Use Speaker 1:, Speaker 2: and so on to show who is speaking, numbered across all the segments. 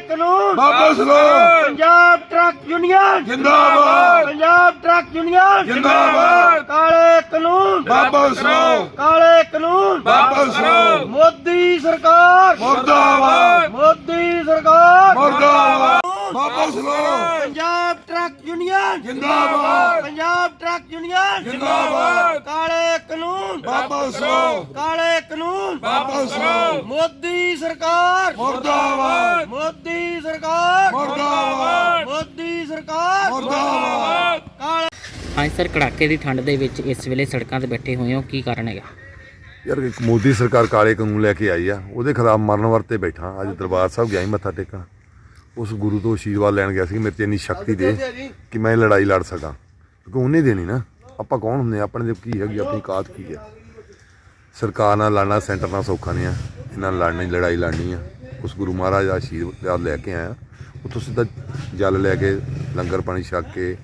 Speaker 1: ਕਾਨੂੰਨ
Speaker 2: ਵਾਪਸ ਲਓ।
Speaker 1: ਪੰਜਾਬ ਟਰੱਕ ਯੂਨੀਅਨ
Speaker 2: ਜਿੰਦਾਬਾਦ।
Speaker 1: ਪੰਜਾਬ ਟਰੱਕ ਯੂਨੀਅਨ
Speaker 2: ਜਿੰਦਾਬਾਦ।
Speaker 1: ਕਾਲੇ ਕਾਨੂੰਨ
Speaker 2: ਵਾਪਸ ਲਓ।
Speaker 1: ਕਾਲੇ ਕਾਨੂੰਨ
Speaker 2: ਵਾਪਸ ਲਓ।
Speaker 1: ਮੋਦੀ ਸਰਕਾਰ
Speaker 2: ਮੁਰਦਾਬਾਦ।
Speaker 1: ਮੋਦੀ ਸਰਕਾਰ
Speaker 2: ਮੁਰਦਾਬਾਦ। ਵਾਪਸ ਲਓ।
Speaker 1: ਪੰਜਾਬ ਟਰੱਕ ਯੂਨੀਅਨ
Speaker 2: ਜਿੰਦਾਬਾਦ।
Speaker 1: ਪੰਜਾਬ ਟਰੱਕ ਯੂਨੀਅਨ
Speaker 2: ਜਿੰਦਾਬਾਦ।
Speaker 1: ਕਾਲੇ ਕਾਨੂੰਨ
Speaker 2: ਵਾਪਸ ਲਓ।
Speaker 1: ਕਾਲੇ ਕਾਨੂੰਨ
Speaker 2: ਵਾਪਸ ਲਓ।
Speaker 1: ਮੋਦੀ ਸਰਕਾਰ
Speaker 2: ਮੁਰਦਾਬਾਦ।
Speaker 1: ਮੋਦੀ ਸਰਕਾਰ
Speaker 2: ਮੁਰਦਾਬਾਦ।
Speaker 1: ਮੋਦੀ ਸਰਕਾਰ
Speaker 2: ਮੁਰਦਾਬਾਦ।
Speaker 1: ਕਾਲੇ
Speaker 3: ਹਾਂਜੀ ਸਰ, ਕੜਾਕੇ ਦੀ ਠੰਡ ਦੇ ਵਿੱਚ ਇਸ ਵੇਲੇ ਸੜਕਾਂ ਤੇ ਬੈਠੇ ਹੋਏ ਹੋ, ਕੀ ਕਾਰਨ ਹੈਗਾ?
Speaker 4: ਯਾਰ ਇੱਕ ਮੋਦੀ ਸਰਕਾਰ ਕਾਲੇ ਕਾਨੂੰਨ ਲੈ ਕੇ ਆਈ ਆ, ਉਹਦੇ ਖਿਲਾਫ ਮਰਨ ਵਰਤੇ ਬੈਠਾ। ਅੱਜ ਦਰਬਾਰ ਸਾਹਿਬ ਗਿਆ ਸੀ ਮੱਥਾ ਟੇਕਣ, ਉਸ ਗੁਰੂ ਤੋਂ ਆਸ਼ੀਰਵਾਦ ਲੈਣ ਗਿਆ ਸੀ ਕਿ ਮੇਰੇ 'ਚ ਇੰਨੀ ਸ਼ਕਤੀ ਦੇ ਕਿ ਮੈਂ ਇਹ ਲੜਾਈ ਲੜ ਸਕਾਂ, ਕਿਉਂਕਿ ਉਹਨੇ ਦੇਣੀ ਨਾ। ਆਪਾਂ ਕੌਣ ਹੁੰਦੇ ਆ, ਆਪਣੇ ਦੇ ਕੀ ਹੈਗੀ, ਆਪਣੀ ਔਕਾਤ ਕੀ ਹੈ। ਸਰਕਾਰ ਨਾਲ ਲੜਨਾ ਸੈਂਟਰ ਨਾਲ ਸੌਖਾ ਨਹੀਂ ਆ, ਇਹਨਾਂ ਨਾਲ ਲੜਨੀ ਲੜਾਈ ਲੜਨੀ ਆ। ਉਸ ਗੁਰੂ ਮਹਾਰਾਜ ਦਾ ਆਸ਼ੀਰਵਾਦ ਲੈ ਕੇ ਆਇਆ, ਉੱਥੋਂ ਸਿੱਧਾ ਜਲ ਲੈ ਕੇ ਲੰਗਰ ਪਾਣੀ ਛਕ ਕੇ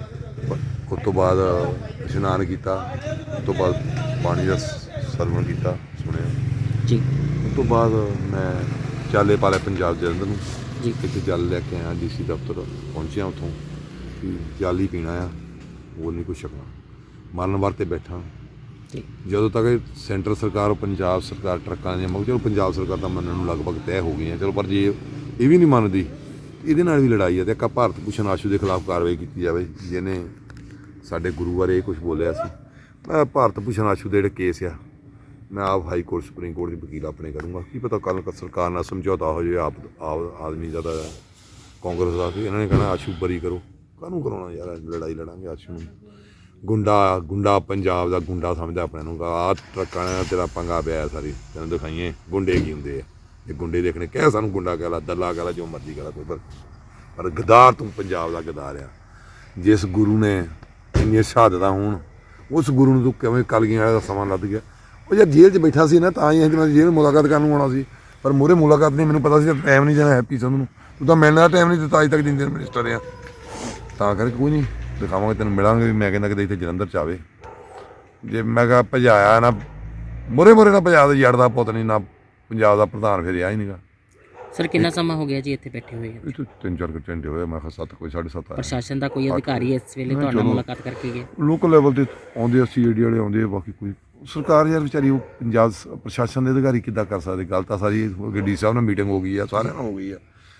Speaker 4: ਉਸ ਤੋਂ ਬਾਅਦ ਇਸ਼ਨਾਨ ਕੀਤਾ, ਉਸ ਤੋਂ ਬਾਅਦ ਪਾਣੀ ਦਾ ਸਰਵਣ ਕੀਤਾ, ਸੁਣਿਆ।
Speaker 3: ਜੀ
Speaker 4: ਉਸ ਤੋਂ ਬਾਅਦ ਮੈਂ ਚਾਲੇ ਪਾ ਲਿਆ ਪੰਜਾਬ ਜਲੰਧਰ ਨੂੰ
Speaker 3: ਜੀ।
Speaker 4: ਇੱਥੇ ਜਲ ਲੈ ਕੇ ਆਇਆ, ਡੀਸੀ ਦਫ਼ਤਰ ਪਹੁੰਚਿਆ, ਉੱਥੋਂ ਕਿ ਜਲ ਹੀ ਪੀਣਾ ਆ, ਹੋਰ ਨਹੀਂ ਕੁਛ ਛਕਣਾ। ਮਰਨ ਵਰਤੇ ਬੈਠਾ।
Speaker 3: ਜੀ
Speaker 4: ਜਦੋਂ ਤੱਕ ਇਹ ਸੈਂਟਰ ਸਰਕਾਰ ਔਰ ਪੰਜਾਬ ਸਰਕਾਰ ਟਰੱਕਾਂ ਦੀਆਂ ਚਲੋ ਪੰਜਾਬ ਸਰਕਾਰ ਤਾਂ ਮੰਨਣ ਨੂੰ ਲਗਭਗ ਤੈਅ ਹੋ ਗਈਆਂ, ਚਲੋ ਪਰ ਜੇ ਇਹ ਵੀ ਨਹੀਂ ਮੰਨਦੀ, ਇਹਦੇ ਨਾਲ ਵੀ ਲੜਾਈ ਹੈ। ਤੇ ਇੱਕ ਭਾਰਤ ਭੂਸ਼ਣ ਆਸ਼ੂ ਦੇ ਖਿਲਾਫ ਕਾਰਵਾਈ ਕੀਤੀ ਜਾਵੇ, ਜਿਹਨੇ ਸਾਡੇ ਗੁਰੂ ਬਾਰੇ ਇਹ ਕੁਛ ਬੋਲਿਆ ਸੀ। ਮੈਂ ਭਾਰਤ ਭੂਸ਼ਣ ਆਸ਼ੂ ਦੇ ਜਿਹੜੇ ਕੇਸ ਆ, ਮੈਂ ਆਪ ਹਾਈ ਕੋਰਟ ਸੁਪਰੀਮ ਕੋਰਟ ਦੀ ਵਕੀਲ ਆਪਣੇ ਕਰੂੰਗਾ। ਕੀ ਪਤਾ ਕੱਲ੍ਹ ਸਰਕਾਰ ਨਾਲ ਸਮਝੌਤਾ ਹੋ ਜਾਵੇ ਆਪ ਆਦਮੀ ਦਾ ਤਾਂ ਕਾਂਗਰਸ ਦਾ, ਇਹਨਾਂ ਨੇ ਕਹਿਣਾ ਆਸ਼ੂ ਬਰੀ ਕਰੋ। ਕਾਹਨੂੰ ਕਰਾਉਣਾ ਯਾਰ, ਲੜਾਈ ਲੜਾਂਗੇ ਆਸ਼ੂ ਨੂੰ। ਗੁੰਡਾ ਪੰਜਾਬ ਦਾ ਗੁੰਡਾ ਸਮਝਦਾ ਆਪਣੇ ਨੂੰ, ਆਹ ਟਰੱਕਾਂ ਨੇ ਤੇਰਾ ਪੰਗਾ ਪਿਆ ਸਾਰੀ, ਤੈਨੂੰ ਦਿਖਾਈਏ ਗੁੰਡੇ ਕੀ ਹੁੰਦੇ ਆ। ਇਹ ਗੁੰਡੇ ਦੇਖਣੇ, ਕਹਿ ਸਾਨੂੰ ਗੁੰਡਾ ਕਹਿ ਲਾ, ਦੱਲਾ ਕਹਿ ਲਾ, ਜੋ ਮਰਜ਼ੀ ਕਹਿ ਲਾ, ਕੋਈ ਪਰ ਗਦਾਰ ਤੂੰ ਪੰਜਾਬ ਦਾ ਗਦਾਰ ਆ। ਜਿਸ ਗੁਰੂ ਨੇ ਇੰਨੀਆਂ ਸ਼ਹਾਦਤਾਂ ਹੋਣ, ਉਸ ਗੁਰੂ ਨੂੰ ਤੂੰ ਕਿਵੇਂ ਕਲਗੀਆਂ ਵਾਲੇ ਦਾ ਸਮਾਂ ਲੱਗ ਗਿਆ। ਉਹ ਯਾਰ ਜੇਲ੍ਹ 'ਚ ਬੈਠਾ ਸੀ ਨਾ, ਤਾਂ ਹੀ ਮੈਂ ਜੇਲ੍ਹ ਮੁਲਾਕਾਤ ਕਰਨ ਨੂੰ ਆਉਣਾ ਸੀ, ਪਰ ਮੂਹਰੇ ਮੁਲਾਕਾਤ ਨਹੀਂ, ਮੈਨੂੰ ਪਤਾ ਸੀ ਟਾਈਮ ਨਹੀਂ ਦੇਣਾ ਹੈਪੀ ਸੰਧੂ ਨੂੰ, ਤੂੰ ਤਾਂ ਮਿਲਣ ਦਾ ਟਾਈਮ ਨਹੀਂ ਦਿੱਤਾ ਅੱਜ ਤੱਕ, ਜਿੰਨੇ ਮਿਨਿਸਟਰ ਆ। ਤਾਂ ਕਰਕੇ ਕੋਈ ਨਹੀਂ, ਦਿਖਾਵਾਂਗੇ ਤੈਨੂੰ, ਮਿਲਾਂਗੇ ਵੀ। ਮੈਂ ਕਹਿੰਦਾ ਕਿਤੇ ਇੱਥੇ ਜਲੰਧਰ 'ਚ ਆਵੇ, ਜੇ ਮੈਂ ਕਿਹਾ ਭਜਾਇਆ ਨਾ ਮੂਹਰੇ ਨਾ ਭਜਾ ਦੇ ਯਾਰ ਦਾ ਪੁੱਤ ਨਹੀਂ, ਨਾ ਪੰਜਾਬ ਦਾ ਪ੍ਰਧਾਨ ਫਿਰ ਰਿਹਾ ਹੀ ਨਹੀਂਗਾ।
Speaker 3: ਸਰ, ਕਿੰਨਾ ਸਮਾਂ ਹੋ ਗਿਆ ਜੀ ਇੱਥੇ ਬੈਠੇ ਹੋਏ?
Speaker 4: ਇਹ ਤੋਂ 3-4 ਘੰਟੇ ਹੋਏ, ਮੈਂ ਕਿਹਾ 7 ਕੋਈ 7:30 ਆਇਆ।
Speaker 3: ਪ੍ਰਸ਼ਾਸਨ ਦਾ ਕੋਈ ਅਧਿਕਾਰੀ ਇਸ ਵੇਲੇ ਤੁਹਾਡੇ ਨਾਲ ਮੁਲਾਕਾਤ ਕਰਕੇ ਗਿਆ?
Speaker 4: ਲੋਕਲ ਲੈਵਲ ਤੇ ਆਉਂਦੇ ਆ, CID ਵਾਲੇ ਆਉਂਦੇ ਆ, ਬਾਕੀ ਕੋਈ ਸਰਕਾਰ ਯਾਰ ਵਿਚਾਰੀ, ਉਹ ਪੰਜਾਬ ਪ੍ਰਸ਼ਾਸਨ ਦੇ ਅਧਿਕਾਰੀ ਕਿੱਦਾਂ ਕਰ ਸਕਦੇ। ਗੱਲ ਤਾਂ ਸਾਰੀ ਡੀ ਸਾਹਿਬ ਨਾਲ ਮੀਟਿੰਗ ਹੋ ਗਈ ਆ, ਸਾਰਿਆਂ ਨਾਲ ਹੋ ਗਈ ਆ।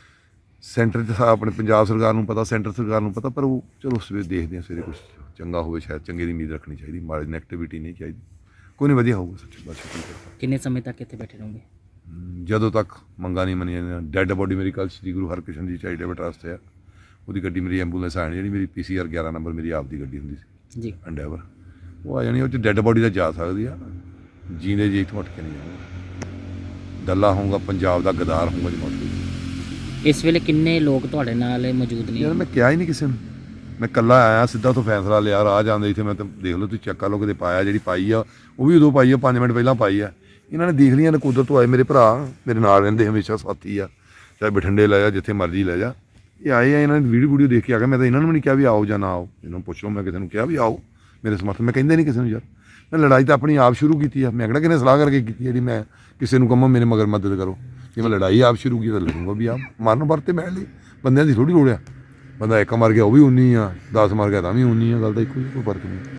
Speaker 4: ਸੈਂਟਰ 'ਚ ਆਪਣੇ ਪੰਜਾਬ ਸਰਕਾਰ ਨੂੰ ਪਤਾ, ਸੈਂਟਰ ਸਰਕਾਰ ਨੂੰ ਪਤਾ, ਪਰ ਉਹ ਚਲੋ ਸਵੇਰੇ ਦੇਖਦੇ ਆ, ਸਵੇਰੇ ਕੁਛ ਚੰਗਾ ਹੋਵੇ, ਸ਼ਾਇਦ ਚੰਗੇ ਦੀ ਉਮੀਦ ਰੱਖਣੀ ਚਾਹੀਦੀ, ਮਾੜੀ ਨੈਗੇਟਿਵਿਟੀ ਨਹੀਂ ਚਾਹੀਦੀ। ਕੋਈ ਨਹੀਂ, ਵਧੀਆ ਹੋਊਗਾ ਸੱਚੀ ਬਾਤ।
Speaker 3: ਕਿੰਨੇ ਸਮੇਂ ਤੱਕ ਇੱਥੇ ਬੈਠੇ ਰਹੋਗੇ?
Speaker 4: ਜਦੋਂ ਤੱਕ ਮੰਗਾਂ ਨਹੀਂ ਮੰਨੀਆਂ ਜਾਂਦੀਆਂ। ਡੈੱਡ ਬੋਡੀ ਮੇਰੀ ਕੱਲ੍ਹ ਸ੍ਰੀ ਗੁਰੂ ਹਰਕ੍ਰਿਸ਼ਨ ਜੀ ਚੈਰੀਟੇਬਲ ਟਰੱਸਟ ਆ, ਉਹਦੀ ਗੱਡੀ ਮੇਰੀ ਐਂਬੂਲੈਂਸ ਆਣੀ, ਜਿਹੜੀ ਮੇਰੀ PCR 11 ਨੰਬਰ ਮੇਰੀ ਆਪ ਦੀ ਗੱਡੀ ਹੁੰਦੀ ਸੀ
Speaker 3: ਜੀ,
Speaker 4: ਐਂਡੈਵਰ, ਉਹ ਆ ਜਾਣੀ। ਉਹ 'ਚ ਡੈੱਡ ਬੋਡੀ ਤਾਂ ਜਾ ਸਕਦੀ ਆ, ਜੀਂਦੇ ਜੀ ਇੱਥੋਂ ਉੱਠ ਕੇ ਨਹੀਂ ਜਾਊਗਾ। ਦੱਲਾ ਹੋਊਗਾ, ਪੰਜਾਬ ਦਾ ਗਦਾਰ ਹੋਊਗਾ ਜੀ ਮੌਤ।
Speaker 3: ਇਸ ਵੇਲੇ ਕਿੰਨੇ ਲੋਕ ਤੁਹਾਡੇ ਨਾਲ ਮੌਜੂਦ ਨੇ?
Speaker 4: ਯਾਰ ਮੈਂ ਕਿਹਾ ਹੀ ਨਹੀਂ ਕਿਸੇ ਨੂੰ, ਮੈਂ ਇਕੱਲਾ ਆਇਆ, ਸਿੱਧਾ ਉੱਥੋਂ ਫੈਸਲਾ ਲਿਆ, ਰਾਹ ਜਾਂਦੇ ਇੱਥੇ ਮੈਂ ਤਾਂ ਦੇਖ ਲਓ, ਤੁਸੀਂ ਚੈੱਕ ਕਰ ਲਓ, ਕਿਤੇ ਪਾਇਆ, ਜਿਹੜੀ ਪਾਈ ਆ ਉਹ ਵੀ ਉਦੋਂ ਪਾਈ ਆ, 5 ਮਿੰਟ ਪਹਿਲਾਂ ਪਾਈ ਆ। ਇਹਨਾਂ ਨੇ ਦੇਖ ਲਈਆਂ, ਨਕੋਦਰ ਤੋਂ ਆਏ ਮੇਰੇ ਭਰਾ, ਮੇਰੇ ਨਾਲ ਰਹਿੰਦੇ ਹਮੇਸ਼ਾ, ਸਾਥੀ ਆ, ਚਾਹੇ ਬਠਿੰਡੇ ਲੈ ਜਾ, ਜਿੱਥੇ ਮਰਜ਼ੀ ਲੈ ਜਾ। ਇਹ ਆਏ ਆ, ਇਹਨਾਂ ਨੇ ਵੀਡੀਓ ਦੇਖ ਕੇ ਆ ਗਏ। ਮੈਂ ਤਾਂ ਇਹਨਾਂ ਨੂੰ ਵੀ ਨਹੀਂ ਕਿਹਾ ਵੀ ਆਓ ਜਾਂ ਨਾ ਆਓ, ਇਹਨਾਂ ਨੂੰ ਪੁੱਛ ਲਓ। ਮੈਂ ਕਿਸੇ ਨੂੰ ਕਿਹਾ ਵੀ ਆਓ ਮੇਰੇ ਸਮਰਥਨ, ਮੈਂ ਕਹਿੰਦੇ ਨਹੀਂ ਕਿਸੇ ਨੂੰ। ਯਾਰ ਮੈਂ ਲੜਾਈ ਤਾਂ ਆਪਣੀ ਆਪ ਸ਼ੁਰੂ ਕੀਤੀ ਆ, ਮੈਂ ਕਿਹੜਾ ਕਿਨੇ ਸਲਾਹ ਕਰਕੇ ਕੀਤੀ ਜਿਹੜੀ ਮੈਂ ਕਿਸੇ ਨੂੰ ਕਹਾਂ ਮੇਰੇ ਮਗਰ ਮਦਦ ਕਰੋ। ਜੇ ਮੈਂ ਲੜਾਈ ਆਪ ਸ਼ੁਰੂ ਕੀਤੀ ਤਾਂ ਲੜੂੰਗਾ ਵੀ ਆਪ। ਮਰਨ ਵਰਤੇ ਮੈਂ ਲਈ ਬੰਦਿਆਂ ਦੀ ਥੋੜ੍ਹੀ ਲੋੜ ਆ, ਬੰਦਾ ਇੱਕ ਮਰ ਗਿਆ ਉਹ ਵੀ 19 ਆ, 10 ਮਰ ਗਿਆ ਤਾਂ ਵੀ 19 ਆ, ਗੱਲ ਤਾਂ ਇੱਕੋ ਹੀ, ਕੋਈ ਫਰਕ ਨਹੀਂ।